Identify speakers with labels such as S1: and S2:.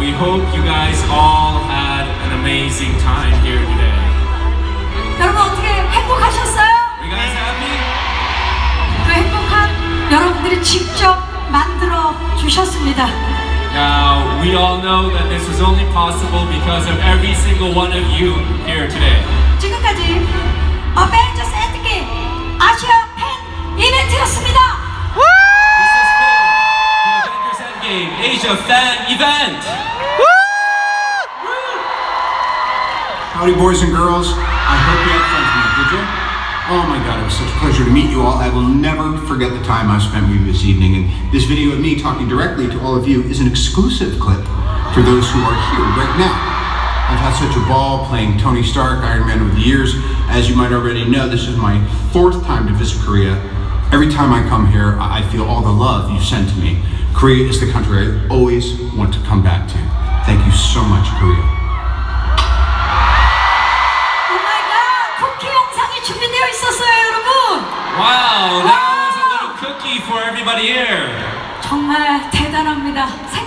S1: we hope you guys all had an amazing time here today.
S2: 여러분 어떻게 행복하셨어요?
S1: Are you guys happy?
S2: 그 행복한 여러분들이 직접 만들어 주셨습니다.
S1: Now, we all know that this was only possible because of every single one of you here today.
S2: 지금까지 어벤져스 엔드게임 아시아 팬 이벤트였습니다.
S1: This has been the Avengers Endgame Asia Fan Event.
S3: Howdy, boys and girls. I hope you had fun tonight, did you? Oh my God, it was such a pleasure to meet you all. I will never forget the time I spent with you this evening. And this video of me talking directly to all of you is an exclusive clip for those who are here right now. I've had such a ball playing Tony Stark, Iron Man over the years. As you might already know, this is my 4th time to visit Korea. Every time I come here, I feel all the love you send to me. Korea is the country I always want to come back to. Thank you so much, Korea.
S2: 쿠키 영상이 준비되어 있었어요, 여러분.
S1: Wow, that was a little cookie for everybody here.
S2: 정말 대단합니다.